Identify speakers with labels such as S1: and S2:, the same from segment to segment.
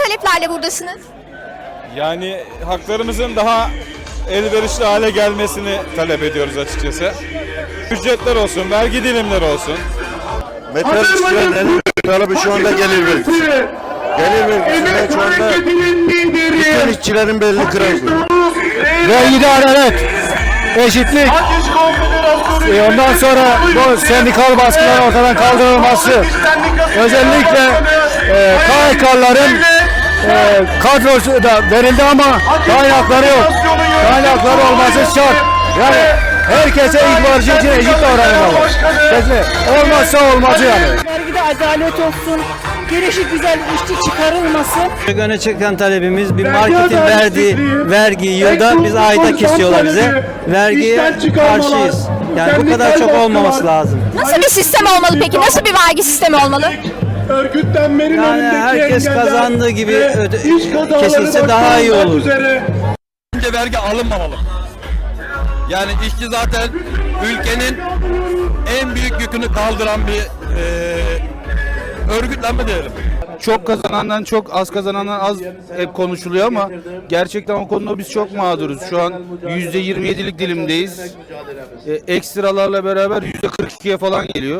S1: taleplerle buradasınız?
S2: Yani haklarımızın daha elverişli hale gelmesini talep ediyoruz açıkçası. Ücretler olsun, vergi dilimleri olsun.
S3: Metal işçilerin talebi şu anda gelir vergisi. Gelir vergisinden şu anda bütün işçilerin belini kırıldı.
S4: Vergide adalet, eşitlik, ondan sonra bu sendikal baskıların ortadan kaldırılması, özellikle KHK'ların kadrosu da verildi ama kaynakları yok. Kaynakları olması şart. Yani herkese ilk varıcı için eşit davranılmalı. Olmazsa olmazı yani.
S5: Vergide adalet olsun, gelişi güzel işçi çıkarılmasın.
S6: Öne çıkan talebimiz bir marketin verdiği vergi yılda biz ayda kesiyorlar bize. Vergiye karşıyız. Yani bu kadar çok olmaması lazım.
S1: Nasıl bir sistem olmalı peki? Nasıl bir vergi sistemi olmalı?
S6: Yani herkes kazandığı gibi kesilse daha iyi olur.
S7: Bence vergi alınmamalı. Yani işçi zaten ülkenin en büyük yükünü kaldıran bir örgütlenme diyelim.
S2: Çok kazanandan çok, az kazanandan az hep konuşuluyor ama gerçekten o konuda biz çok mağduruz. Şu an %27'lik dilimdeyiz. Ekstralarla beraber %42'ye falan geliyor.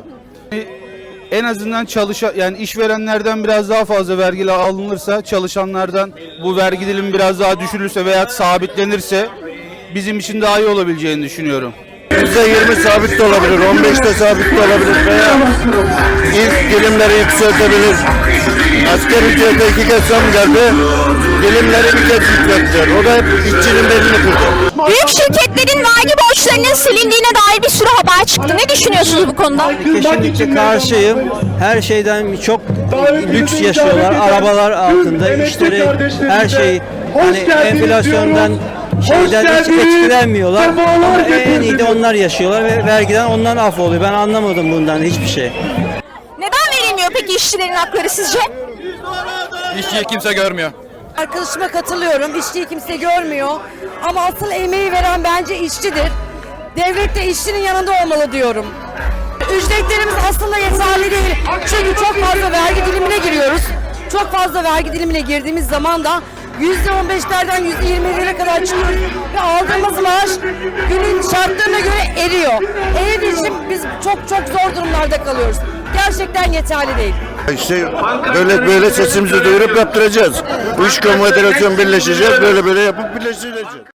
S2: En azından yani işverenlerden biraz daha fazla vergi alınırsa, çalışanlardan bu vergi dilimi biraz daha düşürülürse veya sabitlenirse bizim için daha iyi olabileceğini düşünüyorum.
S3: %20 sabit de olabilir, 15'te sabit de olabilir veya ilk dilimleri yükseltebilir. Asgari ücrete 2 kez zam geldi, dilimleri bir kez yükselttiler. O da hep işçinin belini kırdı.
S1: Büyük şirketlerin vergi borçlarının silindiğine dair bir sürü haber çıktı. Ne düşünüyorsunuz bu konuda?
S6: Kesinlikle karşıyım. Her şeyden çok lüks yaşıyorlar. Arabalar altında, işleri, her şey. Hani enflasyondan şeyden hiç etkilenmiyorlar. Ama en iyi de onlar yaşıyorlar ve vergiden onlar af oluyor. Ben anlamadım bundan hiçbir şey.
S1: Neden verilmiyor peki işçilerin hakları sizce?
S7: İşçiyi kimse görmüyor.
S5: Arkadaşıma katılıyorum, işçiyi kimse görmüyor. Ama asıl emeği veren bence işçidir. Devlet de işçinin yanında olmalı diyorum. Ücretlerimiz aslında yeterli değil. Çünkü çok fazla vergi dilimine giriyoruz. Çok fazla vergi dilimine girdiğimiz zaman da %15'lerden %20'lere kadar çıkıyoruz ve aldığımız maaş günün şartlarına göre eriyor. Eridiği için biz çok zor durumlarda kalıyoruz. Gerçekten yeterli değil.
S3: İşte böyle sesimizi duyurup yaptıracağız. Bu iş konfederasyon birleşeceğiz, böyle yapıp birleştireceğiz.